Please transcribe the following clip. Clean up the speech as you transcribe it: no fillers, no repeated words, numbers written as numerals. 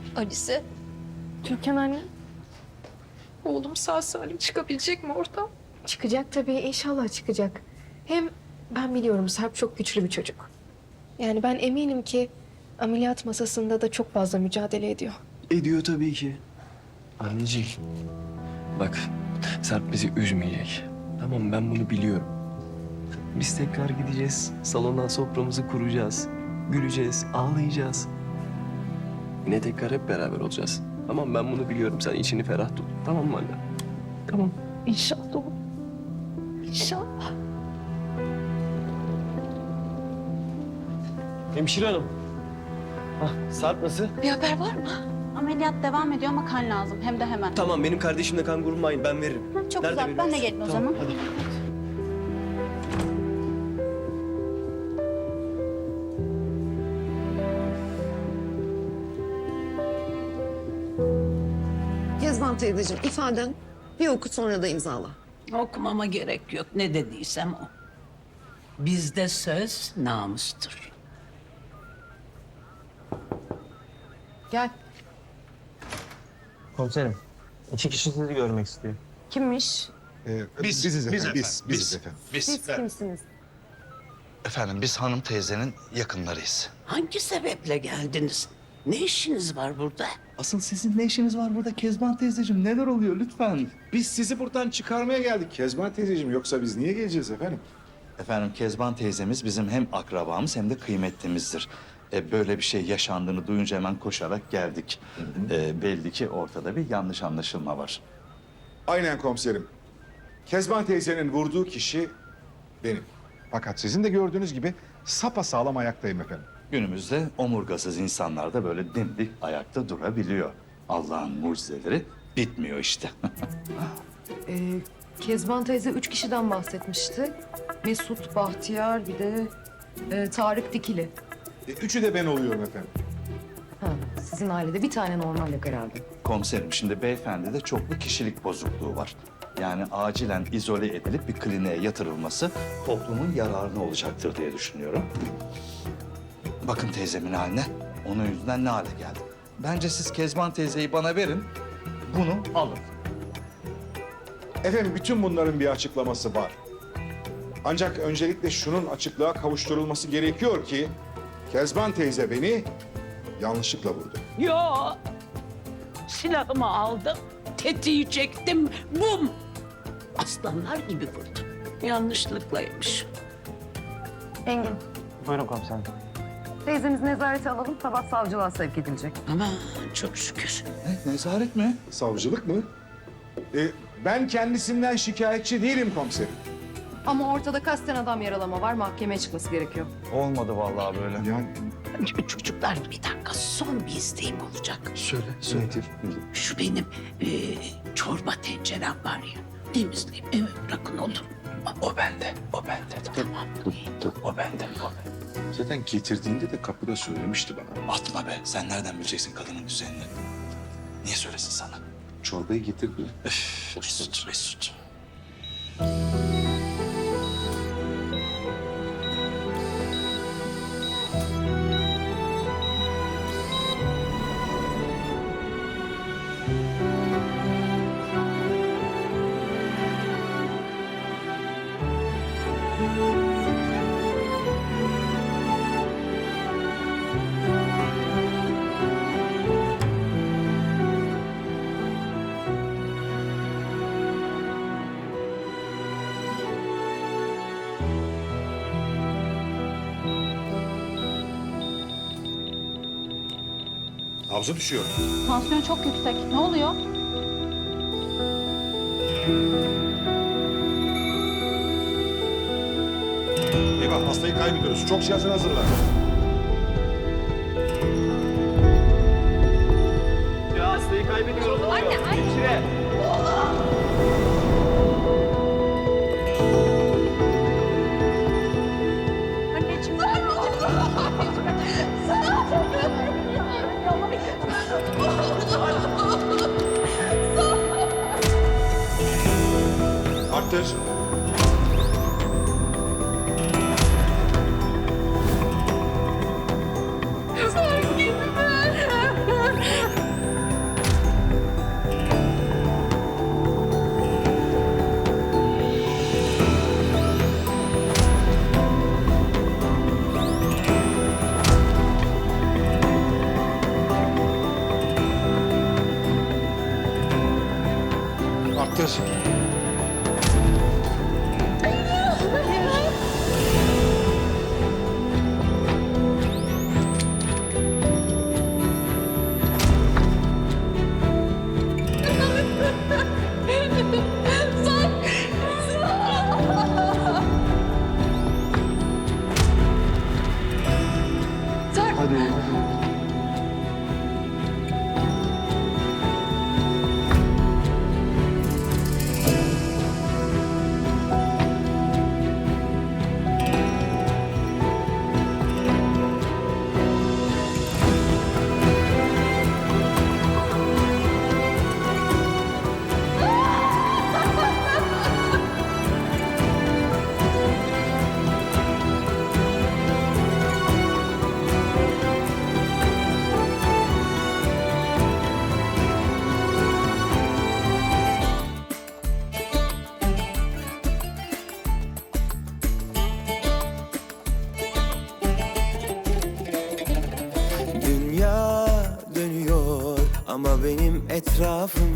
Alice, Türkan anne. oğlum sağ salim çıkabilecek mi oradan? Çıkacak tabii, inşallah çıkacak. Hem ben biliyorum Sarp çok güçlü bir çocuk. Yani ben eminim ki ameliyat masasında da çok fazla mücadele ediyor. Ediyor tabii ki. Anneciğim, bak Sarp bizi üzmeyecek. Tamam, ben bunu biliyorum. Biz tekrar gideceğiz, salona soframızı kuracağız. Güleceğiz, ağlayacağız. Yine tekrar hep beraber olacağız. Tamam, ben bunu biliyorum. Sen içini ferah tut. Tamam mı anne? Tamam. İnşallah oğlum. İnşallah. Hemşire hanım. Sarp nasıl? Bir haber var mı? Ameliyat devam ediyor ama kan lazım. Hem de hemen. Tamam, benim kardeşimle kan grubum aynı. Ben veririm. Çok Nerede güzel. Ben de veriyorsun? gelin o Tamam, zaman. hadi. Kezban teyzeciğim ifaden bir oku sonra da imzala. Okumama gerek yok. Ne dediysem o. Bizde söz namustur. Gel. Komiserim, iki kişi sizi görmek istiyor. Kimmiş? Biziz efendim. Biziz efendim. Siz kimsiniz? Efendim biz hanım teyzenin yakınlarıyız. Hangi sebeple geldiniz? Ne işiniz var burada? Asıl sizin ne işiniz var burada Kezban teyzeciğim? Neler oluyor lütfen? Biz sizi buradan çıkarmaya geldik Kezban teyzeciğim. Yoksa biz niye geleceğiz efendim? Efendim Kezban teyzemiz bizim hem akrabamız hem de kıymetlimizdir. Böyle bir şey yaşandığını duyunca hemen koşarak geldik. Belli ki ortada bir yanlış anlaşılma var. Aynen komiserim. Kezban teyzenin vurduğu kişi benim. Fakat sizin de gördüğünüz gibi sapasağlam ayaktayım efendim. Günümüzde omurgasız insanlar da böyle dimdik ayakta durabiliyor. Allah'ın mucizeleri bitmiyor işte. Kezban teyze 3 kişiden bahsetmişti. Mesut, Bahtiyar, bir de Tarık Dikili. Üçü de ben oluyorum efendim. Ha, sizin ailede bir tane normal yok herhalde. Komiserim şimdi beyefendide çoklu kişilik bozukluğu var. Yani acilen izole edilip bir kliniğe yatırılması toplumun yararına olacaktır diye düşünüyorum. Bakın teyzemin haline. Onun yüzünden ne hale geldi. Bence siz Kezban teyzeyi bana verin. Bunu alın. Efendim bütün bunların bir açıklaması var. Ancak öncelikle şunun açıklığa kavuşturulması gerekiyor ki Kezban teyze beni yanlışlıkla vurdu. Yo. Silahımı aldım. Tetiği çektim. Bum. Aslanlar gibi vurdum. Yanlışlıklaymış. Engin, Buyurun komiserim. teyzemizi nezarete alalım, sabah savcılığa sevk edilecek. Aman çok şükür. Ne, nezaret mi? Savcılık mı? Ben kendisinden şikayetçi değilim komiserim. Ama ortada kasten adam yaralama var, mahkemeye çıkması gerekiyor. Olmadı vallahi böyle. Yani Çocuklar bir dakika son bir isteğim olacak. söyle. Şu benim çorba tencerem var ya. Temizleyip eve bırakın olur mu? O bende, o bende. Tamam. O bende, o bende. Zaten getirdiğinde de kapıda söylemişti bana. Atma be. Sen nereden bileceksin kadının düzenini? Niye söylesin sana? Çorbayı getirdi. Mesut, Mesut. Nabzı düşüyor. Tansiyon çok yüksek. Ne oluyor? Eyvah hastayı kaybediyoruz. Çok cihazını hazırla. Ya hastayı kaybediyoruz. Anne, hemşire. Arttır. Getir. Hadi oğlum, hadi. Dünya dönüyor ama benim etrafım